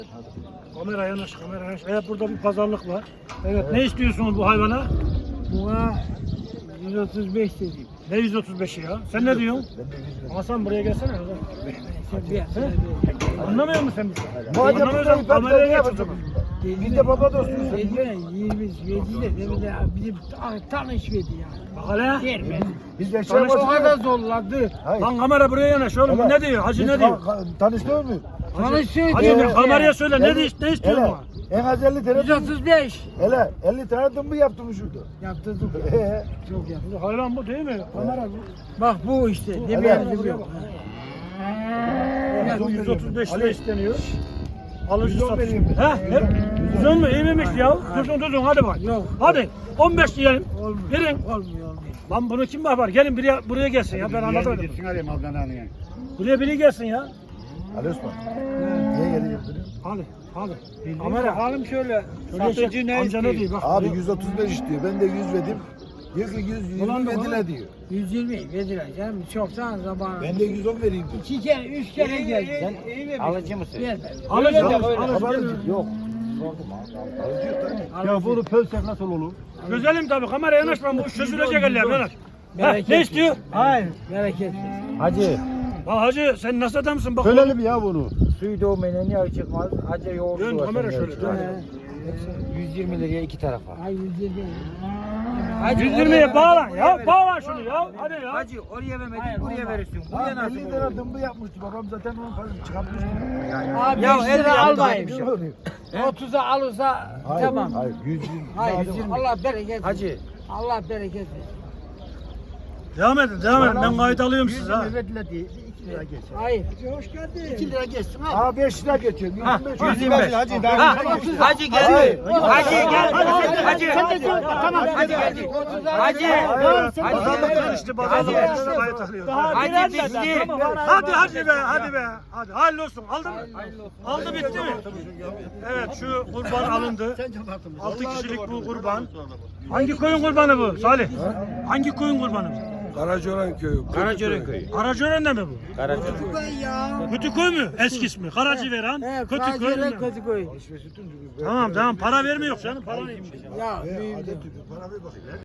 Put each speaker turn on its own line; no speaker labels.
Kamera yanaş, kamera yanaş. Evet, burada bir pazarlık var. Evet, ne istiyorsunuz bu hayvana?
Buna 135 dedim.
Ne 135'i ya? Sen ne diyorsun? Hasan buraya gelsene. Anlamıyor musun sen bizi? Anlamıyorsan kameraya geç o zaman.
Biz de baba dostuyuz. 20 de bizim tanışmadı ya.
Bak hele.
Vermedi.
Biz de
Tanıştık.
O kadar zorladı.
Lan kamera buraya yanaş oğlum. Bu ne diyor? Hacı ne diyor?
Tanıştın mı?
Tanıştık.
Hacı kameraya söyle. Ne istiyorsun
Hele,
bana?
en az 50 tane
135
hele 50 tane dımbı yaptım şurada.
yaptırdım. Çok yaptım.
Hayvan bu değil mi? Kamera bu.
Bak bu işte.
Hele.
Demeyelim yok.
Bu 135 lira isteniyor. Alıcı
110
satış.
vereyim mi?
He? Ne? 110 mu? İyi miymiş ya? Dursun hadi bak.
Yok.
Hadi 15 diyelim.
Olmuyor.
Verin.
Olmuyor.
Lan bunu kim yapar? Gelin buraya gelsin ya. Ben anlamadım. Buraya biri gelsin ya.
Ali Osman. Niye geliyor?
Hadi. Kamera.
Bakalım şöyle.
Satıcı ne amca ne diyor? Bak.
Abi 135 istiyor. Ben de 100 verdim. Diyor ki 120
Ulan da
verdiler diyor.
120 verdiler canım. Çoktan zamanı.
Ben de 110 vereyim diyor.
2 kere 3 kere geldi.
Alıcı mısın?
Vermedi.
Alıcı.
Yok.
Ya bunu
pölsek nasıl olur?
Güzelim tabii. Kamera yanaşma. Bu çözülecek eller. Yanaş.
Bereket
Ne istiyor?
Hayır. Bereket versin.
Hacı,
Ha hacı sen nasıl adamsın? Bak.
söyleyelim ya bunu. Suyu doğmayın niye çıkmaz? Hacı yoğurdu
Dön
var.
kamera şöyle. Dön.
120 liraya iki tarafa.
Ay 120.
120'ye bağlan ya. Bağlan şunu ya. Hadi ya.
Hacı oraya vermedin,
Hayır,
buraya
olmaz.
verirsin.
Ha,
Buraya nasıl
50
olur?
tane dımbı yapmıştı. Babam zaten onun parasını çıkartmıştı.
Abi
Ya
100
el
lira
yaptı,
almayayım.
bir şey.
30'a alırsa
Hayır,
tamam.
hayır 120.
Hayır.
120.
Allah bereket versin.
Hacı.
Allah bereket versin.
Devam edin. Ben kayıt alıyorum size ha.
verdiler diye 2 lira geç.
Hayır. Hoş geldin.
2 lira geçsin ha. Ha 5 lira geçiyorum. 125.
125. Hacı gel.
Hayır.
Hacı gel. Hacı.
Tamam.
Hadi geldi. Hacı.
Pazarlık karıştı. Pazarlık karıştı. Kayıt alıyorum.
Hacı bitti.
Hadi be. Hadi be. Hadi. Hayırlı olsun. Aldın mı? Aldı bitti mi? Evet şu kurban alındı. 6 kişilik bu kurban. Hangi koyun kurbanı bu Salih? Hangi koyun kurbanı bu?
Karacoran köyü.
Karacören köyü.
Karacören'de mi bu?
Karacören.
Kötüköy mü? Eski ismi. Karacıveren. Kötüköy mü?
Kötüköy.
Tamam para vermiyor canım. Para neymiş?
Ya büyüdü.
Para ver bakayım.